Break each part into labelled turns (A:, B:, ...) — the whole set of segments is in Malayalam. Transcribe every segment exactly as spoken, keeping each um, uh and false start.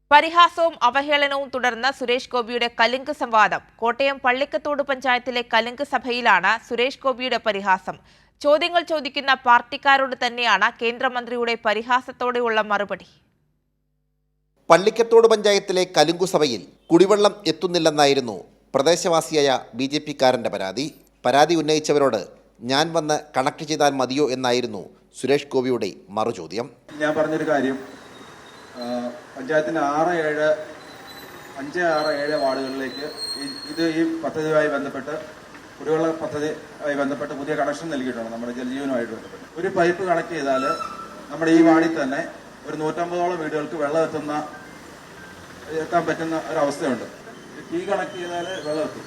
A: പരിഹാസവും അവഹേളനവും തുടർന്ന് സുരേഷ് ഗോപിയുടെ കലുങ്ക് സംവാദം. കോട്ടയം പള്ളിക്കത്തോട് പഞ്ചായത്തിലെ കലുങ്ക് സഭയിലാണ് സുരേഷ് ഗോപിയുടെ പരിഹാസം. ചോദ്യങ്ങൾ ചോദിക്കുന്ന പാർട്ടിക്കാരോട് തന്നെയാണ് കേന്ദ്രമന്ത്രിയുടെ പരിഹാസത്തോടെയുള്ള മറുപടി.
B: പള്ളിക്കത്തോട് പഞ്ചായത്തിലെ കലുങ്കു സഭയിൽ കുടിവെള്ളം എത്തുന്നില്ലെന്നായിരുന്നു പ്രദേശവാസിയായ ബി ജെ പിക്കാരൻ്റെ പരാതി. പരാതി ഉന്നയിച്ചവരോട് ഞാൻ വന്ന് കണക്ട് ചെയ്താൽ മതിയോ എന്നായിരുന്നു സുരേഷ് ഗോപിയുടെ മറുചോദ്യം.
C: ഞാൻ പറഞ്ഞൊരു കാര്യം, പഞ്ചായത്തിന് ആറ് ഏഴ് അഞ്ച് ആറ് ഏഴ് വാർഡുകളിലേക്ക് ഇത് ഈ പദ്ധതിയുമായി ബന്ധപ്പെട്ട് കുടിവെള്ള പദ്ധതിയുമായി ബന്ധപ്പെട്ട് പുതിയ കണക്ഷൻ നൽകിയിട്ടുണ്ട്. നമ്മുടെ ജലജീവനുമായിട്ട് ബന്ധപ്പെട്ട് ഒരു പൈപ്പ് കണക്ട് ചെയ്താൽ നമ്മുടെ ഈ വാർഡിൽ തന്നെ ഒരു നൂറ്റമ്പതോളം വീടുകൾക്ക് വെള്ളം എത്തുന്ന എത്താൻ പറ്റുന്ന ഒരവസ്ഥയുണ്ട്. ടീ കണക്ട് ചെയ്താൽ വെള്ളം എത്തും.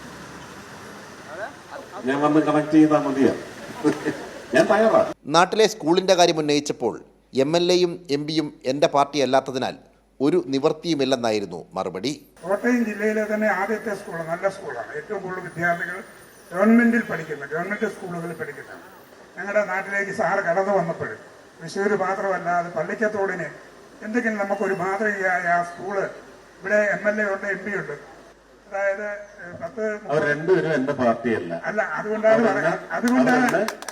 D: ഞാൻ വന്ന് കണക്ട് ചെയ്താൽ മതിയോ? ഞാൻ തയ്യാറാണ്.
B: നാട്ടിലെ സ്കൂളിന്റെ കാര്യം ഉന്നയിച്ചപ്പോൾ എം എൽ എയും എം പിയും എൻ്റെ പാർട്ടി അല്ലാത്തതിനാൽ ഒരു നിവൃത്തിയുമില്ലെന്നായിരുന്നു മറുപടി.
E: കോട്ടയം ജില്ലയിലെ തന്നെ ആദ്യത്തെ സ്കൂൾ, നല്ല സ്കൂളാണ്. ഏറ്റവും കൂടുതൽ വിദ്യാർത്ഥികൾ ഗവൺമെന്റിൽ പഠിക്കുന്ന ഗവൺമെന്റ് സ്കൂളുകളിൽ പഠിക്കുന്ന ഞങ്ങളുടെ നാട്ടിലേക്ക് സാറ് കടന്നു വന്നപ്പോൾ തൃശ്ശൂർ മാത്രമല്ലാതെ പള്ളിക്കത്തോടിന് എന്തെങ്കിലും നമുക്കൊരു മാതൃകയായ ആ സ്കൂള് ഇവിടെ എം എൽ എ ഉണ്ട്, എം പി ഉണ്ട്. അതായത് പത്ത്
D: രണ്ടുപേരും എന്റെ പാർട്ടിയല്ല.
E: അല്ല, അതുകൊണ്ടാണ് അതുകൊണ്ടാണ്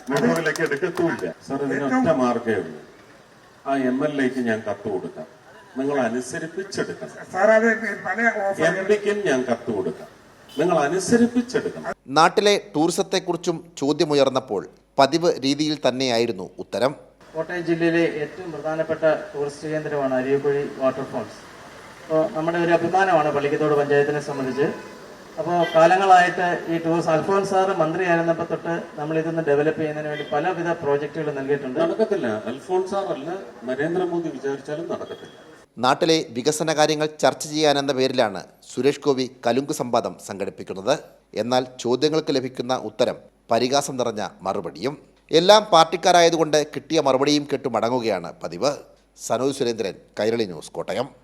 D: ഒറ്റ മാർഗേ ഉള്ളൂ. ആ എം എൽ എക്ക് ഞാൻ കത്ത് കൊടുക്കാം, നിങ്ങൾ അനുസരിപ്പിച്ചെടുക്കണം.
E: സാർ അത് പല
D: എം പിക്കും ഞാൻ കത്ത് കൊടുക്കാം, നിങ്ങൾ അനുസരിപ്പിച്ചെടുക്കണം.
B: നാട്ടിലെ ടൂറിസത്തെക്കുറിച്ചും ചോദ്യമുയർന്നപ്പോൾ പതിവ് രീതിയിൽ തന്നെയായിരുന്നു ഉത്തരം.
F: കോട്ടയം ജില്ലയിലെ ഏറ്റവും പ്രധാനപ്പെട്ട ടൂറിസ്റ്റ് കേന്ദ്രമാണ് അരിയക്കുഴി വാട്ടർഫോൾസ്. അപ്പോൾ നമ്മുടെ ഒരു അഭിമാനമാണ് പള്ളിക്കത്തോട് പഞ്ചായത്തിനെ സംബന്ധിച്ച്. അപ്പോൾ കാലങ്ങളായിട്ട് ഈ ടൂറിസ്റ്റ് അൽഫോൻസ് സാറ് മന്ത്രിയായിരുന്നപ്പോൾ തൊട്ട് നമ്മൾ ഇതൊന്ന് ഡെവലപ്പ് ചെയ്യുന്നതിന് വേണ്ടി പലവിധ പ്രോജക്റ്റുകൾ നൽകിയിട്ടുണ്ട്.
D: നടക്കത്തില്ല. അൽഫോൻസ് സാറല്ല, നരേന്ദ്രമോദി വിചാരിച്ചാലും നടക്കത്തില്ല.
B: നാട്ടിലെ വികസന കാര്യങ്ങൾ ചർച്ച ചെയ്യാനെന്ന പേരിലാണ് സുരേഷ് ഗോപി കലുങ്ക് സംവാദം സംഘടിപ്പിക്കുന്നത്. എന്നാൽ ചോദ്യങ്ങൾക്ക് ലഭിക്കുന്ന ഉത്തരം പരിഹാസം നിറഞ്ഞ മറുപടിയും. എല്ലാം പാർട്ടിക്കാരായതുകൊണ്ട് കിട്ടിയ മറുപടിയും കേട്ടു മടങ്ങുകയാണ് പതിവ്. സനോജ് സുരേന്ദ്രൻ, കൈരളി ന്യൂസ്, കോട്ടയം.